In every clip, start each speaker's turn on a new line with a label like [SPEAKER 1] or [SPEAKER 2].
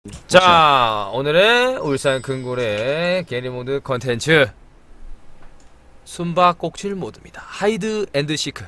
[SPEAKER 1] 자, 오늘은 울산 큰골의 게리모드 컨텐츠 숨바꼭질 모드입니다. 하이드 앤드 시크.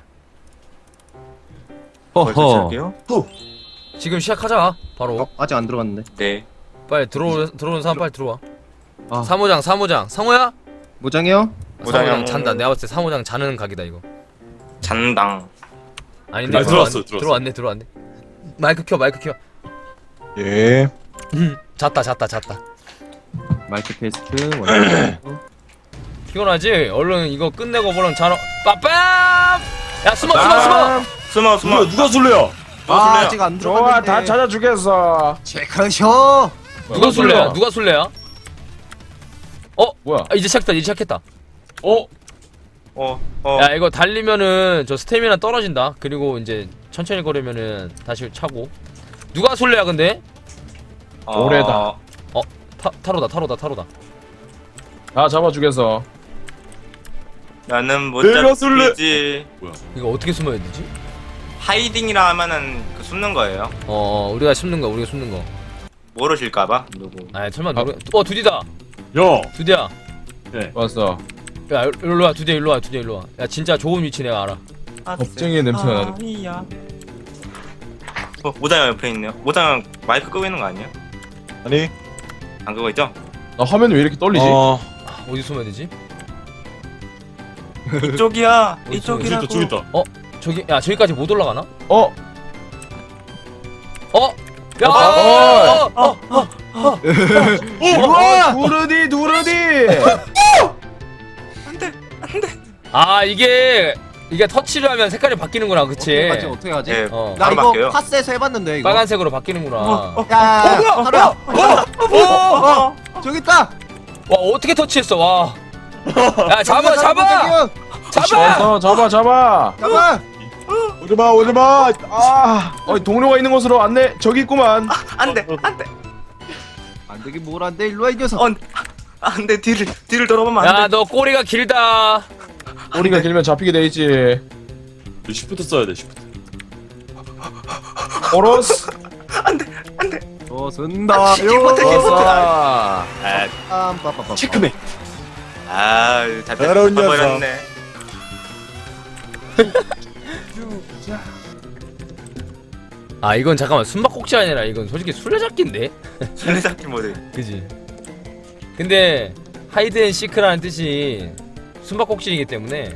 [SPEAKER 2] 허허.
[SPEAKER 1] 지금 시작하자. 바로.
[SPEAKER 2] 아직 안 들어갔는데.
[SPEAKER 3] 네.
[SPEAKER 1] 빨리 들어오는 사람 빨리 들어와.
[SPEAKER 2] 아.
[SPEAKER 1] 사모장 상호야?
[SPEAKER 2] 모장이요?
[SPEAKER 1] 사모장 잔다. 내가 봤을 때 사모장 자는 각이다 이거.
[SPEAKER 3] 잔당.
[SPEAKER 1] 아닌데
[SPEAKER 4] 아, 들어왔어.
[SPEAKER 1] 들어왔네. 마이크 켜.
[SPEAKER 4] 예.
[SPEAKER 1] 잤다.
[SPEAKER 2] 마이크 테스트 완료.
[SPEAKER 1] 피곤하지? 얼른 이거 끝내고 뭐랑 자러. 빠빰! 야 숨어.
[SPEAKER 3] 숨어.
[SPEAKER 4] 누가 술래야?
[SPEAKER 2] 아, 아직 안 들어갔는데.
[SPEAKER 4] 좋아, 다 찾아주겠어.
[SPEAKER 2] 체크쇼.
[SPEAKER 1] 누가 술래야?
[SPEAKER 4] 뭐야?
[SPEAKER 1] 아, 이제 시작했다.
[SPEAKER 3] 어.
[SPEAKER 1] 야 이거 달리면은 저 스태미나 떨어진다. 그리고 이제 천천히 걸으면은 다시 차고. 누가 술래야 근데?
[SPEAKER 4] 오래다.
[SPEAKER 1] 타로다.
[SPEAKER 4] 다 잡아주겠어.
[SPEAKER 3] 나는 못
[SPEAKER 4] 내가 술래.
[SPEAKER 3] 잡히지.
[SPEAKER 1] 이거 어떻게 숨어야 되지?
[SPEAKER 3] 하이딩이라 하면은 그 숨는 거예요.
[SPEAKER 1] 우리가 숨는 거.
[SPEAKER 3] 모르실까봐 누구.
[SPEAKER 1] 아 설마 두디다.
[SPEAKER 4] 야.
[SPEAKER 1] 두디야.
[SPEAKER 4] 왔어.
[SPEAKER 1] 야 일로 와. 두디야 일로 와. 야 진짜 좋은 위치 내가 알아.
[SPEAKER 4] 겁쟁이의 냄새가 나네.
[SPEAKER 3] 아니야. 모장 옆에 있네요. 모장 마이크 끄고 있는 거 아니에요?
[SPEAKER 4] 아니.
[SPEAKER 3] 안 끄고 있죠?
[SPEAKER 4] 나 화면이 왜 이렇게 떨리지?
[SPEAKER 1] 어디 숨어야 되지?
[SPEAKER 3] 이쪽이야.
[SPEAKER 1] 어디
[SPEAKER 3] 이쪽이라고.
[SPEAKER 4] 저기 있다.
[SPEAKER 1] 저기까지 못 올라가나?
[SPEAKER 4] 어?
[SPEAKER 1] 야!
[SPEAKER 4] 우와! 누르디.
[SPEAKER 1] 아 이게 터치를 하면 색깔이 바뀌는구나, 그치?
[SPEAKER 2] 어떻게 하지?
[SPEAKER 3] 네.
[SPEAKER 1] 어.
[SPEAKER 2] 나
[SPEAKER 3] 바로
[SPEAKER 2] 이거
[SPEAKER 3] 바뀌어요.
[SPEAKER 2] 파스에서 해봤는데 이거.
[SPEAKER 1] 빨간색으로 바뀌는구나.
[SPEAKER 2] 야, 하루야. 저기 있다.
[SPEAKER 1] 와 어떻게 터치했어? 와. 야 잡아.
[SPEAKER 4] 잡아.
[SPEAKER 2] 잡아.
[SPEAKER 4] 오지마. 동료가 있는 곳으로 안내. 저기 있구만.
[SPEAKER 3] 안돼.
[SPEAKER 2] 안 되긴 뭘 안 돼. 일로 와 이 녀석.
[SPEAKER 3] 안돼. 뒤를 돌아보면 안 돼.
[SPEAKER 1] 야 너 꼬리가 길다.
[SPEAKER 4] 꼬리가 길면 잡히게 돼 있지. 시프트 써야 돼. 시프트. 오로스.
[SPEAKER 2] 쓴다.
[SPEAKER 4] 왔어.
[SPEAKER 3] 체크맨.
[SPEAKER 4] 더러운 녀석.
[SPEAKER 3] 버렸네.
[SPEAKER 1] 아 이건 잠깐만 숨바꼭질 아니라 이건 솔직히 술래잡기인데?
[SPEAKER 3] 술래잡기 모드.
[SPEAKER 1] 그지? 근데 하이드 앤 시크라는 뜻이 숨바꼭질이기 때문에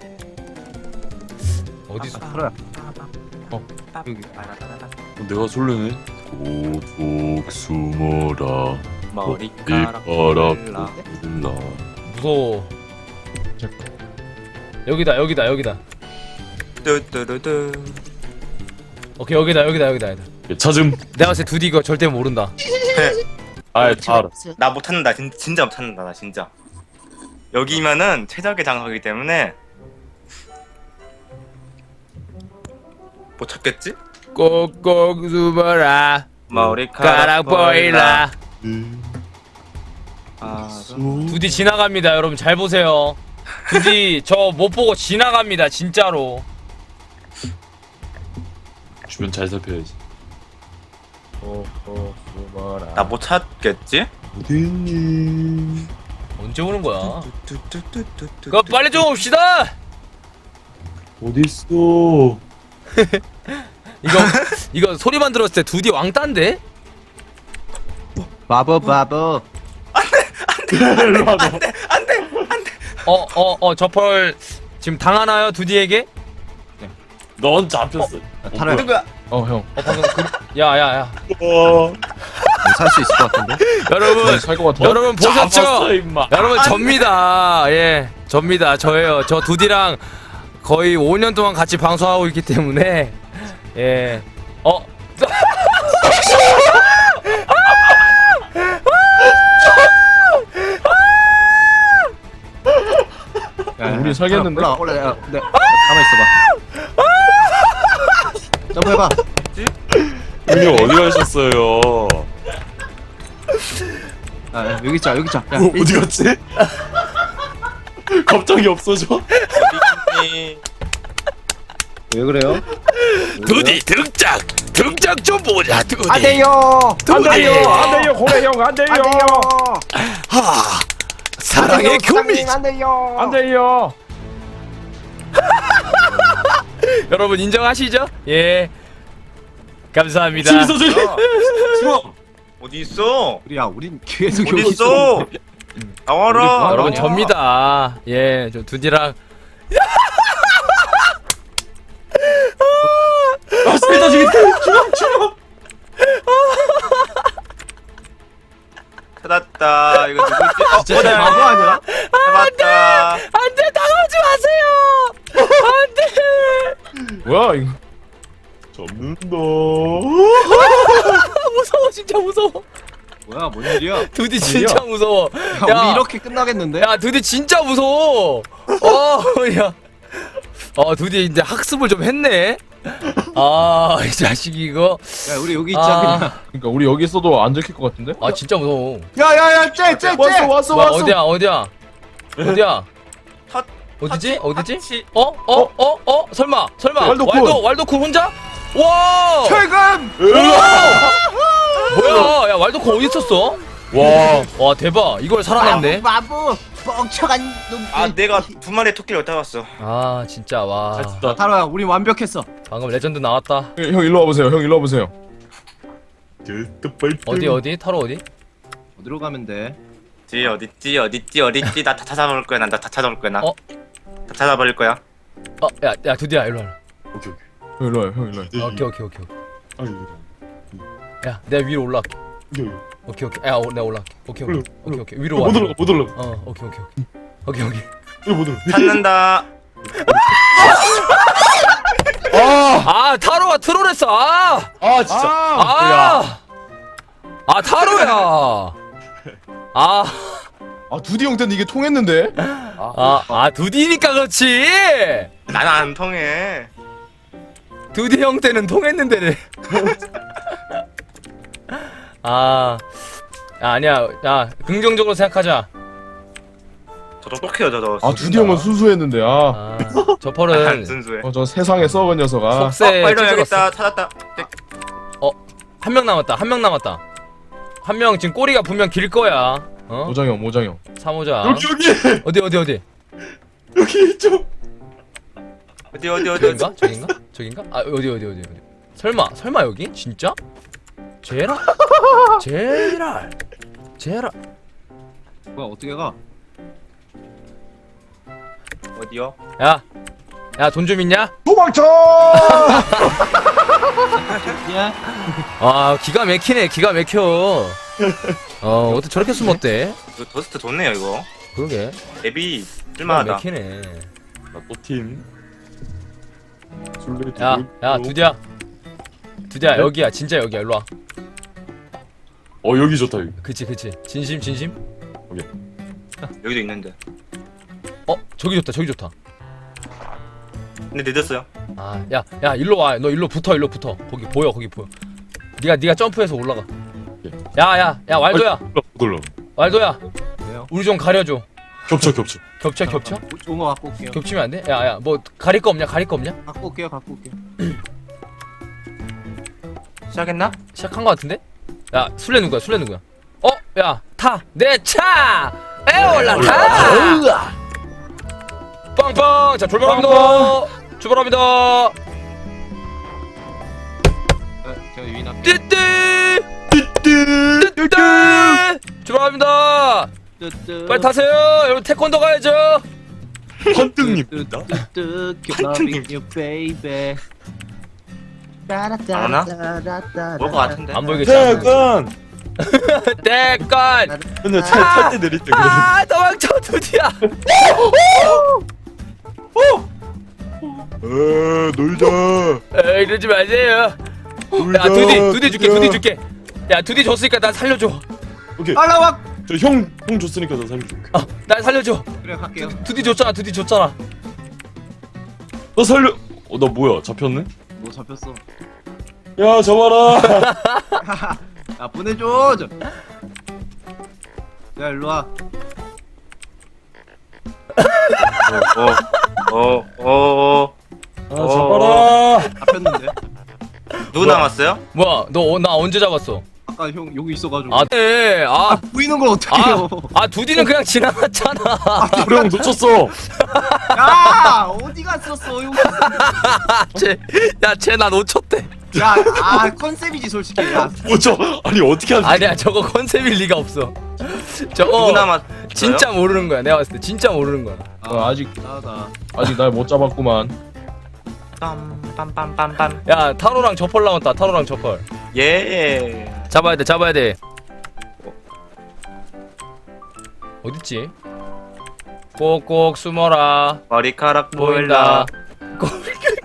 [SPEAKER 1] 어디서
[SPEAKER 2] 하루야. 여기.
[SPEAKER 4] 내가 술래네. 고독 숨어라.
[SPEAKER 3] 머리카락
[SPEAKER 4] 이봐라.
[SPEAKER 3] 골라.
[SPEAKER 4] 나.
[SPEAKER 1] 무서워. 여기다.
[SPEAKER 3] 뚜뚜루뚜.
[SPEAKER 1] 오케이 여기다.
[SPEAKER 4] 찾음.
[SPEAKER 1] 내가 봤을 때 두디 이거 절대 모른다.
[SPEAKER 4] 아이 다 알았어.
[SPEAKER 3] 나 못찾는다. 진짜 못찾는다. 나 진짜. 여기면은 최적의 장소이기 때문에 못 찾겠지?
[SPEAKER 1] 꼭꼭 숨어라.
[SPEAKER 3] 머리카락
[SPEAKER 1] 가락 보일라. 두디
[SPEAKER 3] 두
[SPEAKER 1] 지나갑니다. 여러분 잘 보세요. 두디 저 못 보고 지나갑니다. 진짜로.
[SPEAKER 4] 주변 잘 살펴야지.
[SPEAKER 2] 숨어라.
[SPEAKER 3] 나 못 찾겠지?
[SPEAKER 4] 어딨니?
[SPEAKER 1] 언제 오는 거야?
[SPEAKER 3] 뚜뚜뚜뚜뚜.
[SPEAKER 1] 그거 빨리 좀 옵시다.
[SPEAKER 4] 어딨어?
[SPEAKER 1] 이거 소리만 들었을 때 두디 왕따인데?
[SPEAKER 2] 바보.
[SPEAKER 4] 일로 와.
[SPEAKER 1] 저 펄 지금 당하나요 두디에게?
[SPEAKER 4] 넌 잡혔어.
[SPEAKER 2] 하루야.
[SPEAKER 3] 누구야?
[SPEAKER 4] 형.
[SPEAKER 1] 방금 야야야.
[SPEAKER 2] 살 수 있을 것 같은데.
[SPEAKER 1] 여러분
[SPEAKER 4] 살것 같아.
[SPEAKER 1] 여러분 보셨죠?
[SPEAKER 4] 잡았어, 임마.
[SPEAKER 1] 여러분 접니다. 예, 접니다. 저예요. 저 두디랑 거의 5년 동안 같이 방송하고 있기 때문에 예.
[SPEAKER 4] 우리 살겠는데?
[SPEAKER 2] 올라. 야, 네. 가만 있어봐. 점프해봐.
[SPEAKER 4] 형님 어디 가셨어요?
[SPEAKER 2] 여기 있자. 야,
[SPEAKER 4] 어디 갔지? 갑자기 없어져?
[SPEAKER 3] 어디니?
[SPEAKER 2] 왜 그래요?
[SPEAKER 1] 두디 등장 좀 보자 두디.
[SPEAKER 2] 안 돼요.
[SPEAKER 4] 안 돼요, 안 돼요, 고래 형, 안 돼요,
[SPEAKER 2] 안 돼요.
[SPEAKER 1] 하 사랑의 교미.
[SPEAKER 2] 안 돼요.
[SPEAKER 4] 안 돼요.
[SPEAKER 1] 여러분 인정하시죠? 예. 감사합니다.
[SPEAKER 3] 야, 싫어. 어디 있어?
[SPEAKER 2] 우리야, 우린 계속
[SPEAKER 3] 어디
[SPEAKER 2] 여기
[SPEAKER 3] 있어? 나와라.
[SPEAKER 1] 여러분
[SPEAKER 3] 나와.
[SPEAKER 1] 접니다. 예, 저 두디랑
[SPEAKER 4] 아, 스피드 죽였다. 죽어.
[SPEAKER 3] 찾았다. 이거 누구지?
[SPEAKER 2] 진짜 바보 아니야?
[SPEAKER 3] 찾았다.
[SPEAKER 1] 안돼 나가지 마세요. 안돼.
[SPEAKER 4] 뭐야 이거? 접는다.
[SPEAKER 1] 무서워 진짜 무서워.
[SPEAKER 2] 뭐야, 뭔 일이야?
[SPEAKER 1] 두디 진짜 무서워.
[SPEAKER 2] 야, 우리 이렇게 끝나겠는데?
[SPEAKER 1] 야 두디 진짜 무서워. 야. 두디 이제 학습을 좀 했네. 이 자식이 이거.
[SPEAKER 2] 야, 우리 여기 있자 그냥.
[SPEAKER 4] 그러니까 우리 여기 있어도 안 들킬 것 같은데?
[SPEAKER 1] 진짜 무서워.
[SPEAKER 2] 야야야, 쟤.
[SPEAKER 4] 왔어.
[SPEAKER 1] 뭐야, 어디야?
[SPEAKER 3] 탓-
[SPEAKER 1] 어디지?
[SPEAKER 3] 탓이-
[SPEAKER 1] 설마
[SPEAKER 4] 왈도쿤.
[SPEAKER 1] 왈도쿤 혼자? 와!
[SPEAKER 2] 최근.
[SPEAKER 1] 뭐야? 야 왈도쿤 어디 있었어? 와 대박. 이걸 살아냈네.
[SPEAKER 2] 바보 뻥쳐간 놈.
[SPEAKER 3] 아, 내가 두 마리 토끼를 얻다 왔어.
[SPEAKER 1] 진짜 와.
[SPEAKER 2] 타로야, 우리 완벽했어.
[SPEAKER 1] 방금 레전드 나왔다.
[SPEAKER 4] 형 일로 와보세요. 형 일로 와보세요.
[SPEAKER 1] 어디? 타로 어디?
[SPEAKER 2] 어디로 가면 돼?
[SPEAKER 3] 어딨지? 나 다 찾아볼 거야. 나 다 찾아볼 거야. 나.
[SPEAKER 1] 어?
[SPEAKER 3] 다 찾아버릴 거야.
[SPEAKER 1] 야 두디야 일로 와.
[SPEAKER 4] 형 일로 와요. 형 일로 와요.
[SPEAKER 1] 오케이. 야 내가 위로 올라갈게. 오케이. 야 내가 올라갈게. 오케이. 위로 와.
[SPEAKER 4] 못 올라가.
[SPEAKER 1] 오케이.
[SPEAKER 3] 찾는다.
[SPEAKER 1] 타로가 트롤했어.
[SPEAKER 4] 진짜.
[SPEAKER 1] 타로야.
[SPEAKER 4] 두디 형 때는 이게 통했는데?
[SPEAKER 1] 두디니까 그렇지.
[SPEAKER 3] 나는 안 통해.
[SPEAKER 1] 두디 형 때는 통했는데를. 아니야. 야 긍정적으로 생각하자.
[SPEAKER 3] 저 똑똑해요, 저도.
[SPEAKER 4] 두디 형은 순수했는데.
[SPEAKER 1] 저
[SPEAKER 3] 안
[SPEAKER 1] 펄은
[SPEAKER 3] 순수해.
[SPEAKER 4] 저 세상에 썩은 녀석아.
[SPEAKER 1] 속세
[SPEAKER 3] 빨리
[SPEAKER 1] 찌질었어.
[SPEAKER 3] 여기다 찾았다.
[SPEAKER 1] 한 명 남았다. 한 명 지금 꼬리가 분명 길 거야.
[SPEAKER 4] 모장형.
[SPEAKER 1] 사모자.
[SPEAKER 4] 여기.
[SPEAKER 1] 어디?
[SPEAKER 4] 여기 있죠.
[SPEAKER 3] 어디.
[SPEAKER 1] 저긴가? 어디? 설마 여기? 진짜? 제랄.
[SPEAKER 2] 뭐야, 어떻게 가?
[SPEAKER 3] 어디요?
[SPEAKER 1] 야 돈 좀 있냐?
[SPEAKER 4] 도망쳐!
[SPEAKER 2] 야,
[SPEAKER 1] 기가 막혀. 어떻게 저렇게 쓰면 어때?
[SPEAKER 3] 이거 더스트 좋네요, 이거.
[SPEAKER 1] 그러게.
[SPEAKER 3] 앱이
[SPEAKER 1] 기가
[SPEAKER 3] 쓸만하다.
[SPEAKER 1] 막히네.
[SPEAKER 4] 나또팀
[SPEAKER 1] 야 두디야
[SPEAKER 4] 네?
[SPEAKER 1] 여기야 진짜 여기야 일로 와.
[SPEAKER 4] 여기 좋다 여기.
[SPEAKER 1] 그치 진심.
[SPEAKER 3] 여기도 있는데.
[SPEAKER 1] 저기 좋다.
[SPEAKER 3] 근데 늦었어요.
[SPEAKER 1] 야 일로 와. 너 일로 붙어. 거기 보여. 네가 점프해서 올라가. 야 왈도야. 왈도야.
[SPEAKER 2] 왜요?
[SPEAKER 1] 우리 좀 가려줘.
[SPEAKER 4] 겹쳐.
[SPEAKER 1] 겹쳐?
[SPEAKER 2] 좋은 거 갖고 올게요.
[SPEAKER 1] 겹치면 안 돼? 야 뭐 가릴 거 없냐?
[SPEAKER 2] 갖고 올게요.
[SPEAKER 3] 시작했나?
[SPEAKER 1] 시작한 거 같은데? 야 술래 누구야? 야 타! 내 차! 올라타! 빵빵! 자 출발합니다.
[SPEAKER 2] 제가 유인 앞에.
[SPEAKER 1] 띠띠 출발합니다. 빨리 타세요. 여러분 태권도 가야죠.
[SPEAKER 4] 헌등입니다.
[SPEAKER 2] Loving you, baby.
[SPEAKER 3] 안 하나? 올 것 같은데.
[SPEAKER 1] 안 보이겠지?
[SPEAKER 4] 태권.
[SPEAKER 1] 태권.
[SPEAKER 4] 근데 탈때 내릴 때 그래.
[SPEAKER 1] 도망쳐 두디야.
[SPEAKER 4] 놀자.
[SPEAKER 1] 이러지 마세요. 야 두디 줄게. 야 두디 줬으니까 나 살려줘.
[SPEAKER 4] 오케이.
[SPEAKER 2] 알라와.
[SPEAKER 4] 형 줬으니까 나 살려줄게.
[SPEAKER 1] 날 살려줘.
[SPEAKER 2] 그래, 갈게요.
[SPEAKER 1] 두디 줬잖아.
[SPEAKER 4] 너 살려. 나 뭐야? 잡혔네?
[SPEAKER 2] 뭐 잡혔어?
[SPEAKER 4] 야, 잡아라.
[SPEAKER 2] 야, 보내줘. 야, 일로 와.
[SPEAKER 3] 어.
[SPEAKER 4] 아, 잡아라.
[SPEAKER 3] 누구
[SPEAKER 1] 뭐야?
[SPEAKER 3] 남았어요?
[SPEAKER 1] 뭐야 너 나 언제 잡았어?
[SPEAKER 2] 아까 형 여기 있어가지고.
[SPEAKER 1] 아 네.
[SPEAKER 2] 보이는 걸 어떻게 해요?
[SPEAKER 1] 두디는 그냥 지나갔잖아.
[SPEAKER 4] 우리 형 놓쳤어.
[SPEAKER 2] 야 어디 갔었어 여기.
[SPEAKER 1] 쟤 나 놓쳤대.
[SPEAKER 2] 야, 컨셉이지 솔직히. 야,
[SPEAKER 4] 뭐죠? 아니 어떻게 하지?
[SPEAKER 1] 아니야 저거 컨셉일 리가 없어.
[SPEAKER 3] 누구
[SPEAKER 1] 저거
[SPEAKER 3] 남았어요?
[SPEAKER 1] 진짜 모르는 거야. 내가 봤을 때 진짜 모르는 거야.
[SPEAKER 4] 아직
[SPEAKER 2] 나다.
[SPEAKER 4] 날 못 잡았구만.
[SPEAKER 3] 빰빰빰빰빰.
[SPEAKER 1] 야 타로랑 저펄 나왔다. 타로랑 저펄.
[SPEAKER 3] 예.
[SPEAKER 1] 잡아야 돼. 잡아야 돼. 어딨지? 꼭꼭 숨어라.
[SPEAKER 3] 머리카락
[SPEAKER 1] 보인다.
[SPEAKER 3] 보인다.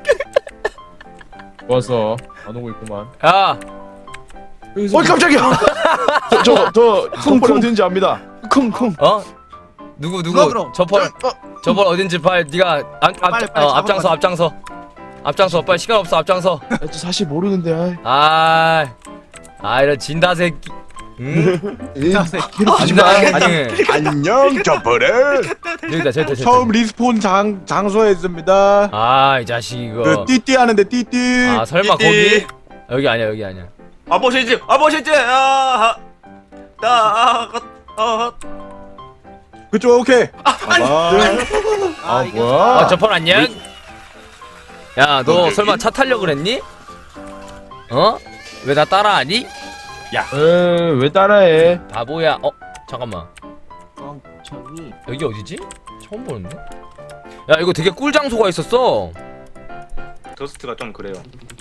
[SPEAKER 4] 좋았어. 안 오고 있구만.
[SPEAKER 1] 야
[SPEAKER 4] 깜짝이야. 저 손벌이 어딘지 압니다. 쿵쿵.
[SPEAKER 1] 누구
[SPEAKER 2] 누가 그럼?
[SPEAKER 1] 저펄 어딘지 빨리 네가
[SPEAKER 2] 빨리
[SPEAKER 1] 앞장서 앞장서 빨리 시간 없어 앞장서.
[SPEAKER 4] 저 사실 모르는데.
[SPEAKER 1] 이런 진다 새끼. 응?
[SPEAKER 2] 하지마.
[SPEAKER 4] 안녕 저벌에.
[SPEAKER 1] 여기다 저기.
[SPEAKER 4] 처음 리스폰 장소에 있습니다.
[SPEAKER 1] 이 자식 이거.
[SPEAKER 4] 그 띠띠 하는데 띠띠.
[SPEAKER 1] 설마
[SPEAKER 3] 띠띠.
[SPEAKER 1] 거기? 여기 아니야.
[SPEAKER 3] 아버지지.
[SPEAKER 4] 그쪽 오케이.
[SPEAKER 2] 이거
[SPEAKER 4] 뭐야?
[SPEAKER 1] 저펄 안녕. 야 너 설마 차 타려고 그랬니? 왜 나 따라하니?
[SPEAKER 4] 왜 따라해?
[SPEAKER 1] 바보야. 잠깐만.
[SPEAKER 2] 멍청이.
[SPEAKER 1] 여기 어디지? 처음 보는데? 야 이거 되게 꿀 장소가 있었어.
[SPEAKER 3] 더스트가 좀 그래요.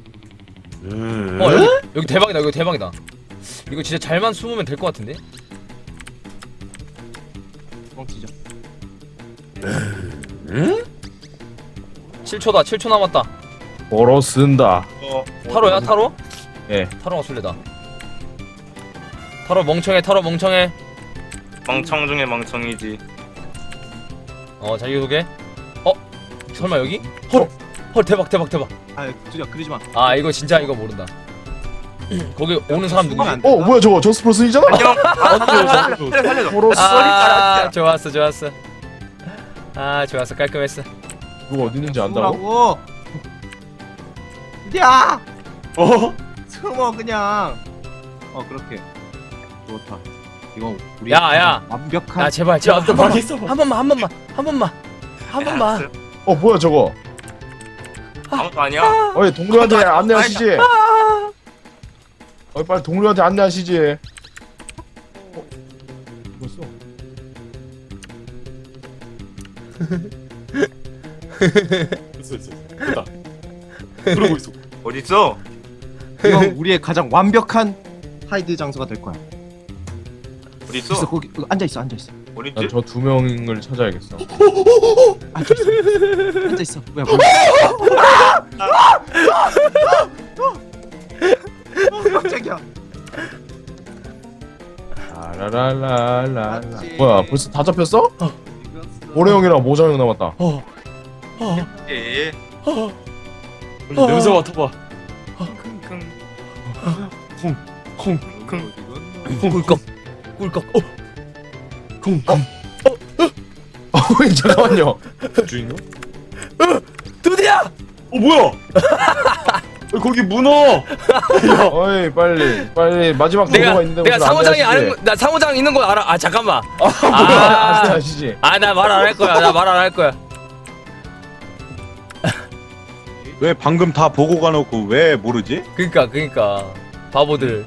[SPEAKER 1] 여기 대박이다. 이거 대박이다. 이거 진짜 잘만 숨으면 될 것 같은데?
[SPEAKER 2] 멍치죠.
[SPEAKER 1] 7초 남았다.
[SPEAKER 4] 걸어 쓴다.
[SPEAKER 1] 타로야 타로?
[SPEAKER 4] 예.
[SPEAKER 1] 타로가 술래다. 타로 멍청해.
[SPEAKER 3] 멍청 중에 멍청이지.
[SPEAKER 1] 자기소개. 설마 여기? 헐 대박.
[SPEAKER 2] 두야 그러지 마.
[SPEAKER 1] 이거 진짜 이거 모른다. 거기 오는 사람 누구지?
[SPEAKER 2] 안 돼.
[SPEAKER 4] 뭐야 저거 저스프로슨이잖아.
[SPEAKER 3] 안녕. 살려줘.
[SPEAKER 4] 걸어 써.
[SPEAKER 1] 좋았어. 좋았어. 깔끔했어.
[SPEAKER 4] 누가 어디 있는지 안다고?
[SPEAKER 2] 숨으라고. 야,
[SPEAKER 4] 어?
[SPEAKER 2] 숨어 그냥. 그렇게. 좋다. 이거 우리
[SPEAKER 1] 야.
[SPEAKER 2] 완벽한.
[SPEAKER 1] 야 제발
[SPEAKER 4] 또 망했어.
[SPEAKER 1] 한 번만.
[SPEAKER 4] 뭐야 저거?
[SPEAKER 3] 아무도 아니야.
[SPEAKER 4] 동료한테 안내하시지. 빨리 동료한테 안내하시지. 뭐였어? 됐다. 그러고 있어.
[SPEAKER 3] 어디 있어?
[SPEAKER 2] 이건 우리의 가장 완벽한 하이드 장소가 될 거야.
[SPEAKER 3] 어디
[SPEAKER 2] 있어
[SPEAKER 3] 있어?
[SPEAKER 2] 거기 앉아 있어.
[SPEAKER 3] 어디
[SPEAKER 4] 난
[SPEAKER 3] 있지?
[SPEAKER 4] 저 두 명을 찾아야겠어.
[SPEAKER 2] 앉아 있어. 뭐야? 깜짝이야.
[SPEAKER 4] 라라라라라.
[SPEAKER 2] 맞지.
[SPEAKER 4] 뭐야 벌써 다 잡혔어? 모래 형이랑 모자 형 남았다.
[SPEAKER 3] 예.
[SPEAKER 4] 냄새 맡아봐.
[SPEAKER 1] 꿀꺽.
[SPEAKER 4] 잠깐만요. 주인공?
[SPEAKER 1] 두디야.
[SPEAKER 4] 뭐야? 거기 문어. 어이 빨리 마지막 동료가 있는데
[SPEAKER 1] 내가
[SPEAKER 4] 무슨
[SPEAKER 1] 상호장이
[SPEAKER 4] 안내하시지?
[SPEAKER 1] 아는 나 상호장 있는 거 알아. 잠깐만.
[SPEAKER 4] 뭐야? 안내하시지.
[SPEAKER 1] 나 말 안 할 거야.
[SPEAKER 5] 왜 방금 다 보고 가놓고 왜 모르지?
[SPEAKER 1] 그니까 바보들.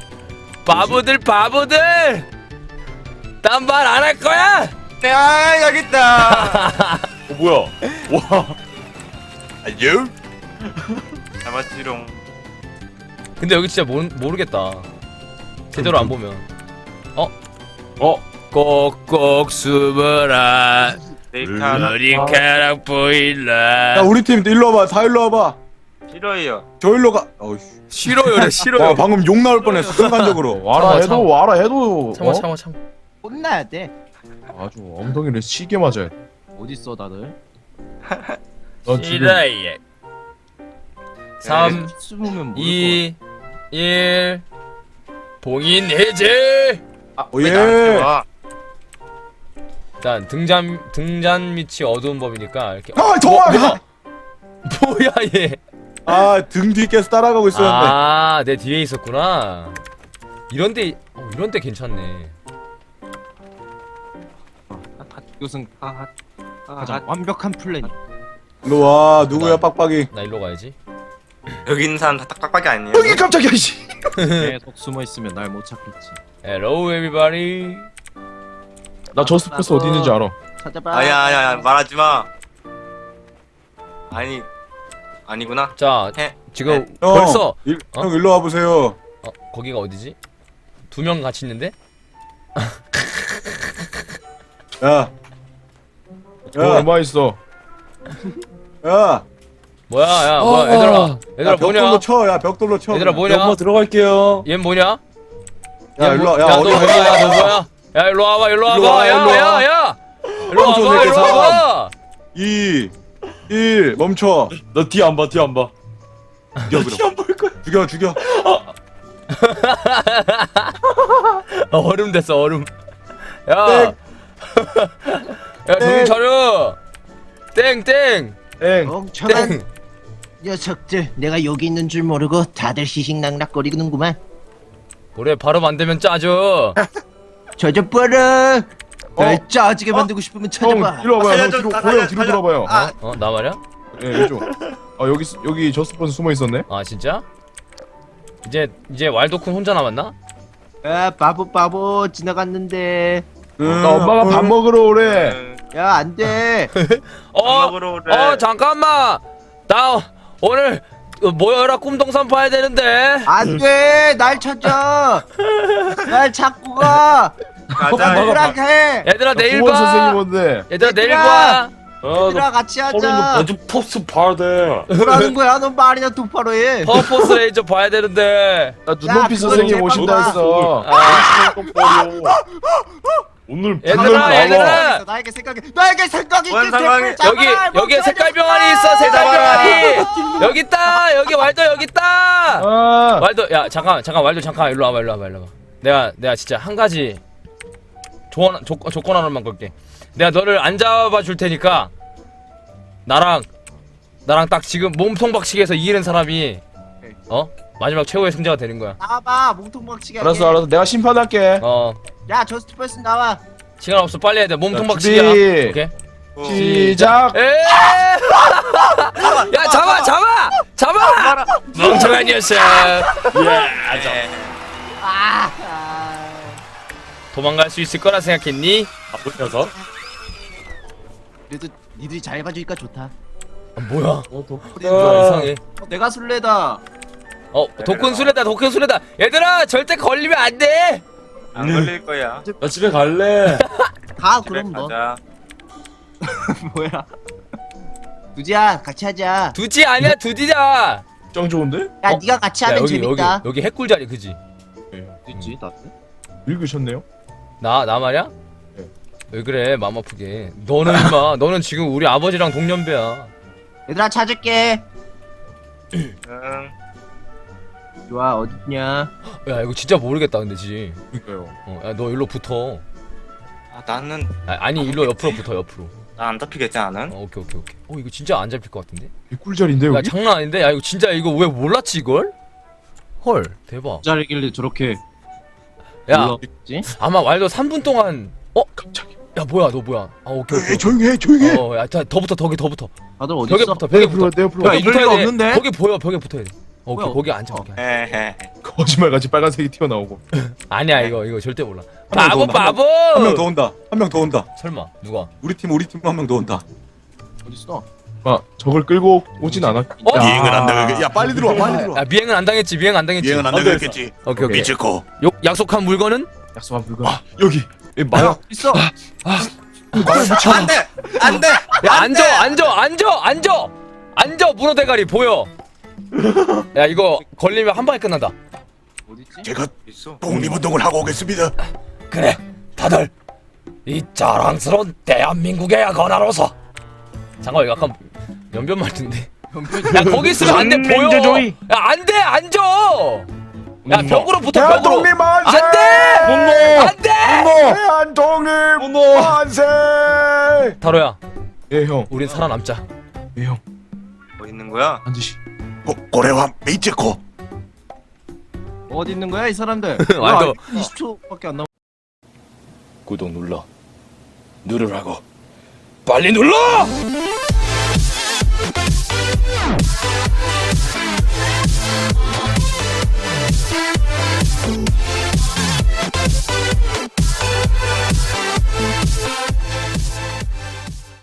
[SPEAKER 1] 난 말 안 할 거야.
[SPEAKER 3] 여기 있다.
[SPEAKER 5] 뭐야? 와. 안녕?
[SPEAKER 3] 잡았지롱.
[SPEAKER 1] 근데 여기 진짜 모르겠다. 제대로 안 보면. 꼭꼭 숨어라. 머리카락 보일라.
[SPEAKER 4] 야 우리 팀 일로 와봐. 다 일로 와봐.
[SPEAKER 3] 싫어요.
[SPEAKER 4] 저 일로 가.
[SPEAKER 1] 싫어요.
[SPEAKER 4] 와 방금 욕 나올 뻔했어 순간적으로. 와라 해도.
[SPEAKER 1] 참아.
[SPEAKER 2] 혼나야 돼.
[SPEAKER 4] 아주 엉덩이를 시게 맞아야 돼.
[SPEAKER 2] 어디 있어 다들?
[SPEAKER 4] 너 지금
[SPEAKER 1] 싫어요. 3,
[SPEAKER 2] 숨으면 모를
[SPEAKER 1] 2, 1. 봉인 해제.
[SPEAKER 3] 왜
[SPEAKER 4] 예.
[SPEAKER 3] 나한테 와?
[SPEAKER 1] 일단 등잔 밑이 어두운 법이니까 이렇게.
[SPEAKER 4] 아 정확해.
[SPEAKER 1] 뭐야 얘.
[SPEAKER 5] 아, 등 뒤에 계속 따라가고 있었는데.
[SPEAKER 1] 아, 내 뒤에 있었구나. 이런데 이런데 괜찮네.
[SPEAKER 2] 이것은 가장 완벽한 플랜.
[SPEAKER 5] 일로 와, 누구야, 빡빡이.
[SPEAKER 1] 나 일로 가야지.
[SPEAKER 3] 여기 있는 사람 다 딱딱밖에 아니에요.
[SPEAKER 4] 여기 깜짝이야 씨.
[SPEAKER 2] 계속 숨어 있으면 날 못 찾겠지.
[SPEAKER 1] Hello everybody.
[SPEAKER 4] 나 저스트패스 어디 있는지 알아.
[SPEAKER 2] 찾아봐.
[SPEAKER 3] 아야 말하지 마. 아니구나.
[SPEAKER 1] 자,
[SPEAKER 3] 해.
[SPEAKER 1] 지금
[SPEAKER 5] 형,
[SPEAKER 1] 벌써 어?
[SPEAKER 5] 형 일로 와 보세요.
[SPEAKER 1] 거기가 어디지? 두 명 같이 있는데?
[SPEAKER 5] 야,
[SPEAKER 4] 돈 얼마 있어?
[SPEAKER 5] 야,
[SPEAKER 1] 뭐야, 야, 뭐야, 얘들아 뭐냐?
[SPEAKER 5] 벽돌로 쳐, 야, 벽돌로 쳐.
[SPEAKER 1] 얘들아 뭐냐?
[SPEAKER 6] 들어갈게요.
[SPEAKER 1] 얘 뭐냐?
[SPEAKER 5] 야, 일로 와,
[SPEAKER 1] 야,
[SPEAKER 5] 야,
[SPEAKER 1] 너
[SPEAKER 5] 어디
[SPEAKER 1] 뭐야? 너 뭐야? 야, 일로 와봐, 일로
[SPEAKER 5] 일로
[SPEAKER 1] 와봐,
[SPEAKER 5] 와, 일로 와.
[SPEAKER 1] 야, 일로
[SPEAKER 5] 멈춰,
[SPEAKER 1] 와봐, 일로
[SPEAKER 5] 새끼,
[SPEAKER 1] 와봐.
[SPEAKER 5] 2, 1, 멈춰.
[SPEAKER 6] 너 뒤 안 봐, 뒤 안 봐.
[SPEAKER 5] 죽여, 그럼. 죽여.
[SPEAKER 1] 얼음 됐어, 얼음. 야,
[SPEAKER 5] 땡.
[SPEAKER 1] 야, 정신 차려. 땡.
[SPEAKER 4] 땡.
[SPEAKER 7] 멍청한
[SPEAKER 1] 땡.
[SPEAKER 7] 녀석들, 내가 여기 있는 줄 모르고 다들 시식낙낙거리는구만.
[SPEAKER 1] 그래, 발음 안 되면 짜져.
[SPEAKER 7] 저저봐라. 날 짜지게 만들고 싶으면
[SPEAKER 4] 형
[SPEAKER 7] 찾아봐.
[SPEAKER 4] 이리 와봐요. 형
[SPEAKER 3] 살려줘,
[SPEAKER 4] 뒤로
[SPEAKER 3] 나
[SPEAKER 4] 고형
[SPEAKER 3] 살려,
[SPEAKER 4] 뒤로
[SPEAKER 3] 살려.
[SPEAKER 4] 돌아봐요.
[SPEAKER 1] 어, 나 말이야?
[SPEAKER 4] 예 이쪽. 아 여기 저스트패스 숨어 있었네.
[SPEAKER 1] 아, 진짜? 이제 왈도쿤 혼자 남았나?
[SPEAKER 7] 야, 바보 지나갔는데.
[SPEAKER 4] 나 엄마가 밥 먹으러 오래.
[SPEAKER 7] 야, 안 돼.
[SPEAKER 3] 먹으러 오래.
[SPEAKER 1] 잠깐만. 나 오늘 모여라 꿈동산 봐야 되는데.
[SPEAKER 7] 안 돼. 날 찾아. 날 찾고 가.
[SPEAKER 3] 가자.
[SPEAKER 7] 누구랑 해.
[SPEAKER 1] 얘들아 내일
[SPEAKER 4] 국원 선생님
[SPEAKER 1] 봐.
[SPEAKER 4] 온대.
[SPEAKER 1] 얘들아 내일
[SPEAKER 7] 얘들아.
[SPEAKER 1] 봐.
[SPEAKER 7] 얘들아 같이 하자.
[SPEAKER 6] 나좀 포스 봐야 돼.
[SPEAKER 7] 뭐라는 거야? 너 말이나 똑바로 해.
[SPEAKER 1] 퍼포스 레이저 봐야 되는데.
[SPEAKER 4] 나 눈높이
[SPEAKER 7] 야,
[SPEAKER 4] 선생님
[SPEAKER 7] 그건
[SPEAKER 4] 오신다
[SPEAKER 7] 제발
[SPEAKER 4] 했어.
[SPEAKER 1] 아,
[SPEAKER 6] 오늘
[SPEAKER 1] 얘들아.
[SPEAKER 7] 나에게 생각이
[SPEAKER 3] 뭔
[SPEAKER 7] 있긴
[SPEAKER 3] 상황이-
[SPEAKER 7] 해. 제발,
[SPEAKER 1] 여기에
[SPEAKER 7] 멈춰야
[SPEAKER 1] 색깔
[SPEAKER 7] 되겠다.
[SPEAKER 1] 병아리 있어. 색깔 병아리. 여기 있다. 여기 왈도 여기 있다.
[SPEAKER 4] 아.
[SPEAKER 1] 왈도 야 잠깐 왈도 잠깐 일로 와봐. 내가 진짜 한 가지 조건 하나만 걸게. 내가 너를 안 잡아 줄 테니까 나랑 딱 지금 몸통 박치기에서 이기는 사람이 마지막 최고의 승자가 되는 거야.
[SPEAKER 7] 나와봐. 몸통 박치기 하게.
[SPEAKER 4] 알았어. 내가 심판할게.
[SPEAKER 7] 야, 저스트 퍼슨 나와.
[SPEAKER 1] 시간 없어. 빨리 해야 돼. 몸통
[SPEAKER 4] 자,
[SPEAKER 1] 박치기야.
[SPEAKER 4] 준비.
[SPEAKER 1] 오케이.
[SPEAKER 4] 시작.
[SPEAKER 1] 야 잡아. 멍청한 녀석. 도망갈 수 있을 거라 생각했니?
[SPEAKER 6] 나쁜 녀석.
[SPEAKER 7] 그래도 니들이 잘 봐주니까 좋다.
[SPEAKER 1] 뭐야?
[SPEAKER 6] 아,
[SPEAKER 1] 이상해.
[SPEAKER 2] 내가 술래다.
[SPEAKER 1] 독군 수레다. 얘들아 절대 걸리면 안 돼.
[SPEAKER 3] 안 걸릴 거야.
[SPEAKER 6] 나 집에 갈래.
[SPEAKER 7] 가
[SPEAKER 3] 집에
[SPEAKER 7] 그럼 너.
[SPEAKER 3] 가자.
[SPEAKER 7] 뭐야? 두지야, 같이 하자.
[SPEAKER 1] 두지 아니야 두디다.
[SPEAKER 4] 짱 좋은데?
[SPEAKER 7] 야, 네가 같이 하면 재밌다.
[SPEAKER 1] 여기 해꿀자리 그지?
[SPEAKER 2] 있지 나.
[SPEAKER 4] 읽으셨네요.
[SPEAKER 1] 나 말이야?
[SPEAKER 4] 네.
[SPEAKER 1] 왜 그래 마음 아프게. 너는 임마 너는 지금 우리 아버지랑 동년배야.
[SPEAKER 7] 얘들아 찾을게.
[SPEAKER 3] 응.
[SPEAKER 7] 좋아, 어딨냐?
[SPEAKER 1] 야 이거 진짜 모르겠다 근데 지.
[SPEAKER 4] 그러니까요.
[SPEAKER 1] 야 너 일로 붙어.
[SPEAKER 3] 나는
[SPEAKER 1] 아니 일로 옆으로 붙어 옆으로.
[SPEAKER 3] 나 안 잡히겠지 나는.
[SPEAKER 1] 오케이. 이거 진짜 안 잡힐 것 같은데?
[SPEAKER 4] 꿀자리인데
[SPEAKER 1] 야
[SPEAKER 4] 여기?
[SPEAKER 1] 장난 아닌데? 야 이거 진짜 이거 왜 몰랐지 이걸? 헐 대박.
[SPEAKER 2] 자리길래 저렇게
[SPEAKER 1] 야
[SPEAKER 2] 몰랐지?
[SPEAKER 1] 아마 왈도 3분 동안
[SPEAKER 4] 깜짝이야.
[SPEAKER 1] 야 뭐야 너 뭐야? 아 오케이.
[SPEAKER 4] 조용해.
[SPEAKER 1] 야더 붙어 더 붙어.
[SPEAKER 2] 다들 어디
[SPEAKER 1] 벽에
[SPEAKER 2] 있어?
[SPEAKER 1] 붙어 벽에 붙어.
[SPEAKER 4] 내 옆으로.
[SPEAKER 2] 야,
[SPEAKER 4] 와.
[SPEAKER 2] 이럴 리가 없는데?
[SPEAKER 1] 거기 보여 벽에 붙어야 돼. 오케이
[SPEAKER 2] 뭐야?
[SPEAKER 1] 거기 앉아 거기. 앉아.
[SPEAKER 3] 헤헤.
[SPEAKER 4] 거짓말같이 빨간색이 튀어나오고.
[SPEAKER 1] 아니야 이거 절대 몰라.
[SPEAKER 5] 한 명
[SPEAKER 1] 바보
[SPEAKER 5] 더
[SPEAKER 1] 바보.
[SPEAKER 5] 온다. 한 명 더 온다. 한 명 더 온다.
[SPEAKER 1] 설마 누가?
[SPEAKER 5] 우리 팀 한 명 더 온다.
[SPEAKER 2] 어디 있어?
[SPEAKER 4] 아 저걸 끌고 오진 않았.
[SPEAKER 5] 비행은 안 당하겠. 야 빨리 들어와. 빨리 들어와.
[SPEAKER 1] 야 미행은 안 당했지.
[SPEAKER 5] 비행은 안 당했겠지.
[SPEAKER 1] 오케이.
[SPEAKER 5] 미치코.
[SPEAKER 1] 약속한 물건은?
[SPEAKER 4] 약속한 물건. 여기. 마약.
[SPEAKER 2] 있어.
[SPEAKER 3] 안돼.
[SPEAKER 1] 야 앉아 문어 대가리 보여. 야 이거 걸리면 한 방에 끝난다.
[SPEAKER 2] 어디 있지?
[SPEAKER 5] 제가
[SPEAKER 3] 있어.
[SPEAKER 5] 독립운동을 하고 오겠습니다.
[SPEAKER 1] 그래 다들 이 자랑스러운 대한민국의 건화로서. 잠깐 이거 약간 연변 말투인데. 야 거기 있으면 안 돼 보여. 야 안돼 앉아. 야 벽으로 붙어 벽으로.
[SPEAKER 4] 대한독립 만세!
[SPEAKER 1] 안돼.
[SPEAKER 4] 대한독립 만세!
[SPEAKER 1] 타로야
[SPEAKER 4] 예 형.
[SPEAKER 1] 우린 살아남자.
[SPEAKER 4] 예 형.
[SPEAKER 3] 뭐 있는 거야?
[SPEAKER 4] 앉으시.
[SPEAKER 5] 고래와 메이츠코.
[SPEAKER 2] 어디 있는 거야 이 사람들?
[SPEAKER 1] 왈도.
[SPEAKER 2] 20초밖에 안 남.
[SPEAKER 6] 구독 눌러. 누르라고. 빨리 눌러!